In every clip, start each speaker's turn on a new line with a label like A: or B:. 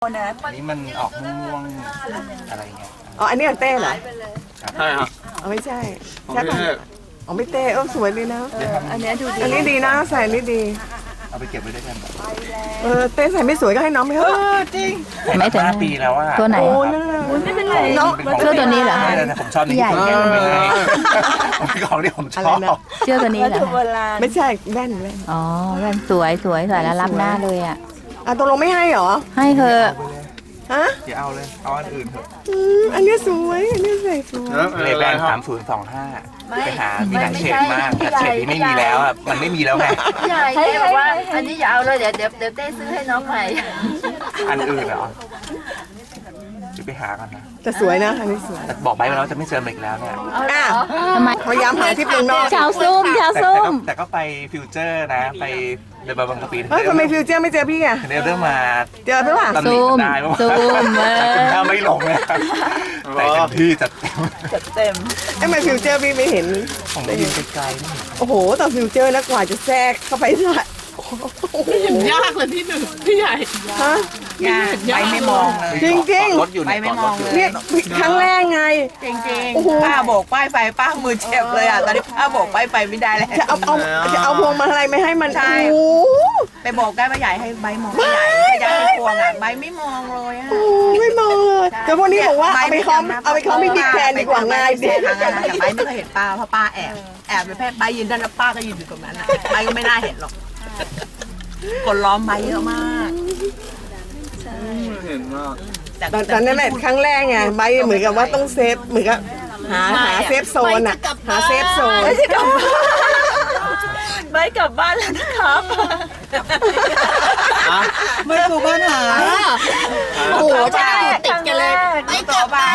A: นี่มันออกม่วงๆอะไรเงี้ย
B: อ๋ออันนี้อันเต้เหรอ
C: ใช่ครับ
B: อ๋อไม่ใช่
C: ของ
B: ใช่
C: พี่
B: ปะ
C: เทพ
B: อ๋อไม่เต้สวยดีนะ
D: อันนี้ดูดี
B: อันนี้ดีนะใส่อันนี้ดี
A: เอาไปเก็บไว้ด้วยกัน
B: เต้ใส่ไม่สวยก็ให้น้องไปเถอะจริง
A: ไม่ถึง5 ปีแล้วอะ
D: ตัวไหน
B: โอ้นั่น
D: ไม่เป็นไร
B: น้อง
D: เสื้อตัวนี้เหรอ
A: ไม่นะผมชอบนี่
D: ใหญ่
A: ผมไม่ให้เป็นของที่ผมชอบ
D: เสื้อตัวนี้เหรอ
B: ไม่ใช่แว่น
D: อ๋อแว่นสวยใส่แล้วรับหน้าเลยอ่ะ
B: ตกลงไม่ให้เหรอ
D: ให้เธอะ
B: ฮะ
A: อย่าเอาเลยเอาอันอื่นเถอะ
B: อันนี้สวยอันนี้ใส่สวย
A: เลแบน3025ไปหามีหลายเฉดมากแต่เฉดนี้ไม่มีแล้วอะมันไม่มีแล้วไง
E: ใหญ่เต้บอกว่าอันนี้อย่าเอาเลยเดี๋ยวเต้ซื้อให้น้องใหม่
A: อันอื่นเหรอจะไปหากันนะ
B: แต่สวยนะอันนี้สวย
A: แต่บอกไปแล้วจะไม่เจอมันอีกแล้วเนี่ย
B: อ่ะ
D: ทำไม
B: พยายามหาที่เป็นนอก
D: ชาวซุ่ม
A: แต่ก็ไปฟิวเจอร์นะ ไปเดินบางกะปิ
B: เฮ้ยทำไมฟิวเจอร์ไม่เจอพี่อ่ะ
A: เรื่องมา
B: เจอพี่ป่ะ
A: ตำหนิกันได้ว่า
D: ซุ่ม
A: ถ้าไม่ลงเลยแต่เต็มที่จัดเต็ม
B: ไอ้มาฟิวเจอร์พี่ไม่เห็น
A: ผมได้ยินไกลๆนี่
B: โอ้โหตอนฟิวเจอร์นะกว่าจะแทรกเข้าไปได้เห็นยากเลยพี่หนึ่งพี่ใหญ่ฮะ
E: ไปไม่มองเลย
B: จริงๆ
A: รถอยู่เนี่ยรถอยู่
B: เนี่ยครั้งแรกไง
E: จริง
B: โอ้โห
E: ๆป้าโบกป้ายไฟป้ามือเจ็บเลยอ่ะตอนนี้ป้าโบกป้ายไฟไม่ได้แล้ว
B: จะเอาพวงมาลัยไม่ให้มัน
E: ใช่
B: โอ้
E: ไปโบกได้ป้าใหญ่ให้ใบมองป้าใหญ่ใหญ่ให้พวงอ่ะใบไม่มองเลยอ่ะ
B: โหไม่มองเลยแต่พวกนี้บอกว่าเอาไปคล้องไม่บิ๊กแทนดีกว่าง่ายดี
E: ทางนั้นแต่ใบไม่เคยเห็นป้าเพราะป้าแอบไปแพทย์ใบยืนด้านแล้วป้าก็ยืนอยู่ตรงนั้นอ่ะใบก็ไม่น่าเห็นหรอกคนล้อมใบเยอะมาก
C: เห็นว่า
B: ตอนนั้นแหละครั้งแรกไงใบเหมือนกับว่าต้องเซฟเหมือนกับหาเซฟโซนอ่ะหาเซฟโซน
D: ไปกลับบ้านแล้วนะครับ
E: ไม่ถูกปัญหา
B: โอ้โห
E: ใช่ติดกันเลยไม่กลับบ้าน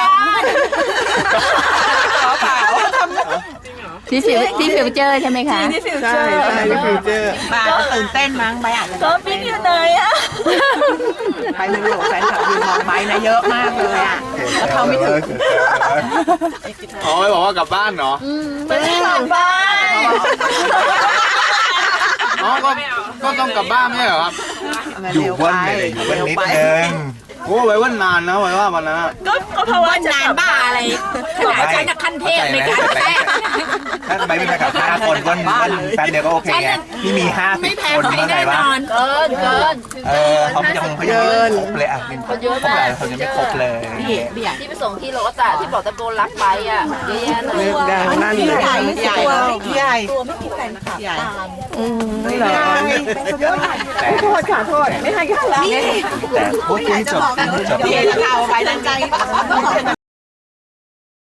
E: ขอเปล่า
D: ที่ฟิวเจอร์ใช่ไหมคะ
B: ใช่ใช่ฟิวเจอร์
E: บ้าตื่นเต้นมั้งใบอาจจะ
D: ก็บิ๊กอยู่ไหนอ่ะ
E: ไปไม่รู้แฟนคลับยืนมองใบนะเยอะมากเลยอ่ะแล้วเขาไม่ถึง
C: อ๋อไม่บอกว่ากลับบ้านเหรอ
D: ไม่ได้กลับบ้าน
C: อ๋อก็ต้องกลับบ้านไม่ใช่เหรอครับ
A: อยู่วันเลยอยู่วันนิดนึง
C: โอ้ไว้ว่านานนะไว้ว่าวันนั้นอะ
D: ก็เพราะว่าจะ
E: นานบ้าอะไรขนาดฉันจะขั้นเทพในการแทรก
A: ถ้าไปไม่ไปกับ5 คนวันแป๊บเดียวก็โอเคไงนี่มี50 คนเมื่อไหร่วะ
E: เกิน
A: เขายังไม่ครบเลยอ่ะเป็นครบเลยเขายังไม่ครบเลย
E: ที่ไปส่งที่รถอ่ะที่บอกตะโกนรับไปอ่ะเยอะแยะเลย
B: เลือกดังนั่นเลย
E: ใหญ่ใหญ่ใหญ่
A: แต่
B: โทษค่ะโทษไม่ให้กันแล้ว
A: แต่พูดจบ
E: พี่จะเอาไปดังใจ